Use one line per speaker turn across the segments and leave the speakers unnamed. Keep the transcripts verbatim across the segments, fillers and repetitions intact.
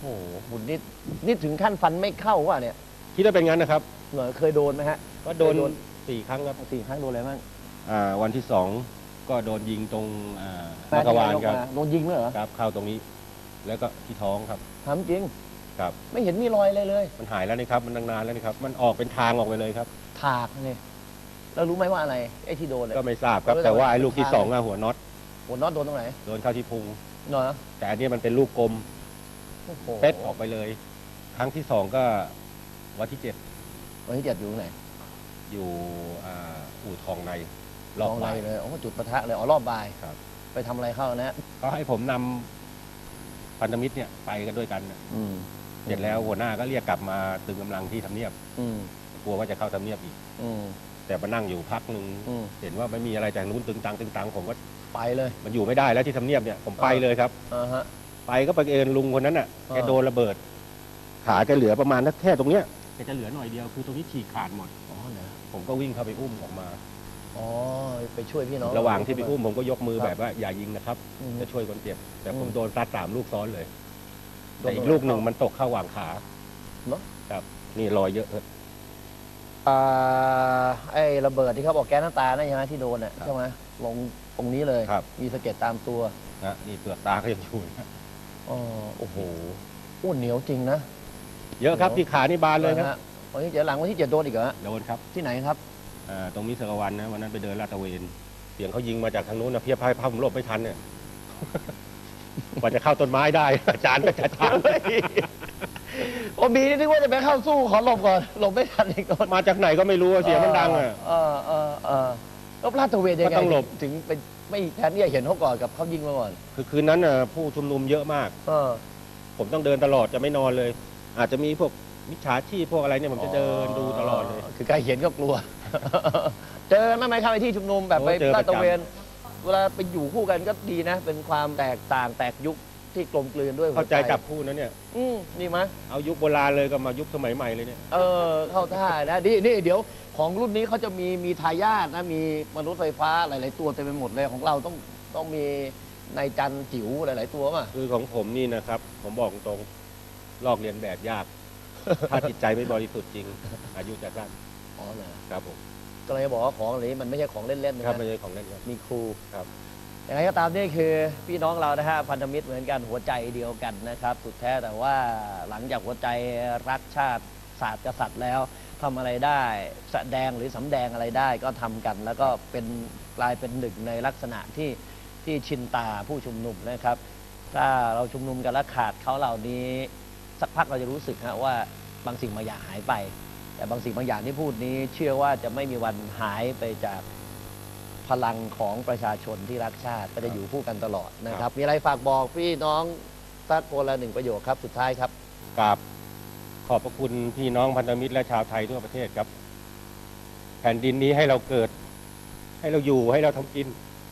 โอ้โหคุณนี่นี่ถึงขั้นฟันไม่เข้าวะเนี่ย
คิดว่าเป็นงั้นนะครับ
เหรอเคยโดนไหมฮะ
ก็โดนสี่ครั้งครับ
สี่ครั้งโดนอะไรบ้าง
อ่าวันที่สองก็โดนยิงตรงอ่ามักกะวานครับ
โดนยิงเลยเหรอ
ครับเข้าตรงนี้ แล้วก็ที่ท้องครับ
ทำจริง
ครับ
ไม่เห็นมีรอยอะไรเลย
มันหายแล้วนี่ครับมันนานแล้วนี่ครับมันออกเป็นทางออกไปเลยครับ
ถากนี่แล้วรู้ไหมว่าอะไรไอ้ที่โดน
ก็ไม่ทราบครับแต่ว่าไอ้ลูกที่สองอะหัวน็อต
หัวน็อตโดนตรงไหน
โดนเข้าที่พุง
เนาะ
แต่อันนี้มันเป็นลูกกลมเป๊ะออกไปเลยครั้งที่สองก็วันที่เจ็ด
วันที่เจ็ดอยู่ไหน
อยู่อู่ทองใน
รอบบ่ายเลยอ๋อจุดปะทะเลยอ๋อรอบบ่าย
ครับ
ไปทำอะไรเข้านะ
เขาให้ผมนำพันธมิตรเนี่ยไปกันด้วยกันเสร็จแล้วหัวหน้าก็เรียกกลับมาตึงกำลังที่ทำเนียบกลัวว่าจะเข้าทำเนียบอีกแต่มานั่งอยู่พักหนึ่งเห็นว่าไม่มีอะไรจากนู้นตึงตังตึงตังผมก็
ไปเลย
มันอยู่ไม่ได้แล้วที่ทำเนียบเนี่ยผมไปเลยครับไปก็ไปเอิญลุงคนนั้นน่ะแกโดนระเบิดขาแกเหลือประมาณแค่ตรงเนี้ยแกจะเหลือหน่อยเดียวคือตรงนี้ฉีกขาดหมด
อ๋อเหรอ
ผมก็วิ่งเข้าไปอุ้มออกมา
อ๋อไปช่วยพี่น้อง
ระหว่างที่ไปอุ้มผมก็ยกมือแบบว่าอย่ายิงนะครับจะช่วยคนเจ็บแต่ผมโดนซัดสามลูกซ้อนเลยแต่อีกลูกหนึ่งมันตกเข้าหว่างขา
เนาะ
ครับนี่รอยเยอะเลย
อ่าไอ้ระเบิดที่เขาบอกแก๊สน้ำตาใช่ไหมที่โดนอ่ะใช่ไหมลงตรงนี้เลยมีสะเก็ดตามตัว
นะนี่เปลือกตาก็ยังอยู่นะ
อ๋อโอ้โหอ้วนเหนียวจริงนะ
เยอะครับที่ขานี่บานเลยครับ
วันที่เจ็ดหลังวันที่เจ็ดโดนอีกเหรอ
โดนครับ
ที่ไหนครับ
อ่าตรงมิสกวันนะวันนั้นไปเดินลาดตระเวนเสียงเขายิงมาจากทางนู้นนะเพียบพายภาพผมหลบไม่ทันเนี่ยกว่าจะเข้าต้นไม้ได้อาจารย์ก็จะทัน
โอ้บีนี่นึกว่าจะไปเข้าสู้ขอหลบก่อนหลบไม่ทันอีกคน
มาจากไหนก็ไม่รู้เสียงมันดังอ่ะ
เออเออเออแล้วลาดตระเวนยังไง
ต้องหลบ
ถึงเป็นไม่แทนที่จะเห็นเขาก่อนกับเขายิงมาก่อน
คือคืนนั้นน่ะผู้ชุมนุมเยอะมากเออผมต้องเดินตลอดจะไม่นอนเลยอาจจะมีพวกมิจฉาชีพพวกอะไรเนี่ยผมจะเดินดูตลอดเลย
คือใครเห็นก็กลัวเจอไม่ไม่เข้าไปที่ชุมนุมแบบไปลาดตระเวนเวลาไปอยู่คู่กันก็ดีนะเป็นความแตกต่างแตกยุคที่กลมกลืนด้วย
เข้าใจจับคู่นั้นเนี่ย
อืมนี่มั้ย
เอายุคโบราณเลยก็มายุคสมัยใหม่เลยเนี่ย
เออเข้าท่านะนี่นี่เดี๋ยวของรุ่นนี้เขาจะมีมีทายาทนะมีมนุษย์ไฟฟ้าหลายๆตัวเต็มไปหมดเลยของเราต้องต้องมีนายจันจิ๋วหลายๆตัวป่ะ
คือของผมนี่นะครับผมบอกตรงลอกเลียนแบบยากถ้าจิตใจไม่บริสุทธิ์จริงอายุจะสั้น
อ๋อเหรอ
ครับผม
ก็เลยบอกว่าของเหล่านี้มันไม่ใช่ของเล่นๆนะครับ
ไม่ใช่ของเล่น
มีครู
ครับ
อย่างไรก็ตามนี่คือพี่น้องเรานะฮะพันธมิตรเหมือนกันหัวใจเดียวกันนะครับสุดแท้แต่ว่าหลังจากหัวใจรักชาติศาสตร์กษัตริย์แล้วทำอะไรได้แสดงหรือสำแดงอะไรได้ก็ทำกันแล้วก็เป็นกลายเป็นหนึ่งในลักษณะที่ที่ชินตาผู้ชุมนุมนะครับถ้าเราชุมนุมกันแล้วขาดเขาเหล่านี้สักพักเราจะรู้สึกฮะว่าบางสิ่งบางอย่างหายไปแต่บางสิ่งบางอย่างที่พูดนี้เชื่อว่าจะไม่มีวันหายไปจากพลังของประชาชนที่รักชาติก็จะอยู่คู่กันตลอดนะครับมีอะไรฝากบอกพี่น้องสักคนละหนึ่งประโยคครับสุดท้ายครับ
กราบขอบพระคุณพี่น้องพันธมิตรและชาวไทยทั่วประเทศครับแผ่นดินนี้ให้เราเกิดให้เราอยู่ให้เราทำกิน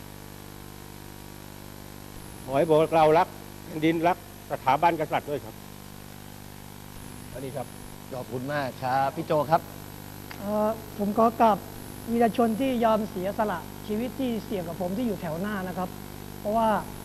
ขอให้บอกเรารักแผ่นดินรักสถาบันกษัตริย์ด้วยครับอันนี้ครับ
ขอบคุณมากครับพี่โจครับ
ผมขอกราบวีรชนที่ยอมเสียสละชีวิตที่เสี่ยงกับผมที่อยู่แถวหน้านะครับเพราะว่า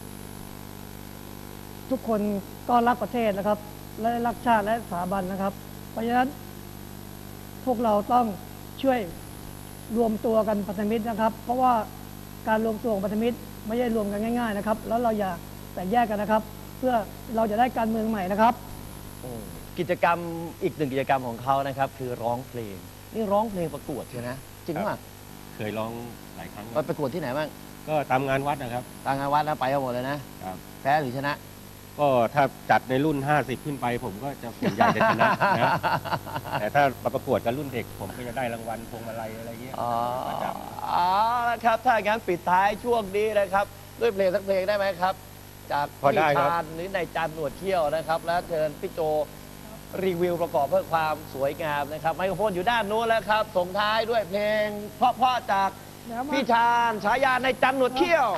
ทุกคนก็รักประเทศนะครับและรักชาติและสถาบันนะครับเพราะฉะนั้นพวกเราต้องช่วยรวมตัวกันพันธมิตรนะครับเพราะว่าการรวมตัวของพันธมิตรไม่ใช่รวมกันง่ายๆนะครับแล้วเราอย่าแตกแยกกันนะครับเพื่อเราจะได้การเมืองใหม่นะครับ
กิจกรรมอีกหนึ่งกิจกรรมของเขานะครับคือร้องเพลงนี่ร้องเพลงประกวดใช่ไหมจริงป่ะ
เคยร้องหลายครั้ง
ไปประกวดที่ไหนบ้าง
ก็ตามงานวัดนะครับ
ตามงานวัดนะไปหมดเลยนะครับแพ้หรือชนะ
ก็ถ้าจัดในรุ่นห้าสิบขึ้นไปผมก็จะส่วนใหญ่จะชนะนะแต่ถ้าประกวดกับรุ่นเด็กผมก็จะได้รางวัลพวงมาลัยอะไรเงี้ย
อ๋ออ๋อนะครับถ้าอย่างนั้นปิดท้ายช่วงนี้นะครับด้วยเพลงสักเพลงได้ไหมครับจากพี่ชาญหรือนายจันหนวดเขี้ยวนะครับแล้วเชิญพี่โจรีวิวประกอบเพื่อความสวยงามนะครับไมโครโฟนอยู่ด้านโน้นแล้วครับส่งท้ายด้วยเพลงเพราะๆจากพี่ชาญฉายาในจันหนวดเขี้ยว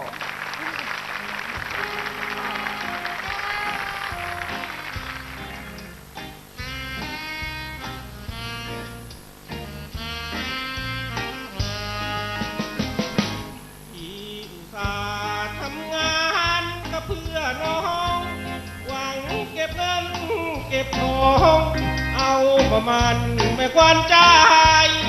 ที่อุตส่าห์ทำงานก็เพื่อน้องหวังเก็บเงิน
เก็บทอง เอาประมาณไม่ควรใจ